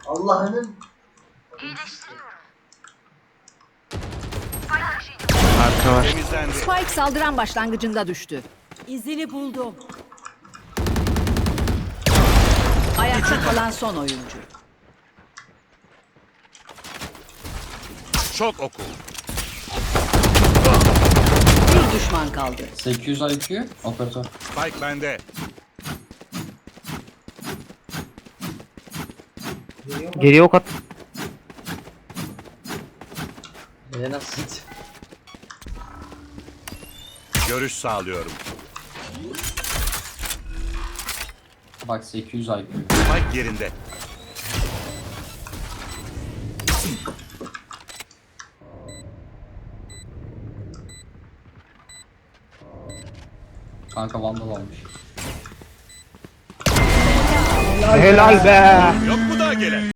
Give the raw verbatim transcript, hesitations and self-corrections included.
Allah'ının Arka var. Temizlendi. Spike saldıran başlangıcında düştü. İzini buldum. Ayakta kalan son oyuncu. Şok oku. Bir düşman kaldı. sekiz yüz I Q operatör. Spike bende. Geriye ok at. beni nasıl hit? Görüş sağlıyorum. Bak sekiz yüz I Q. Spike yerinde. Kanka vandal almış. Helal be. Yok mu daha gelen?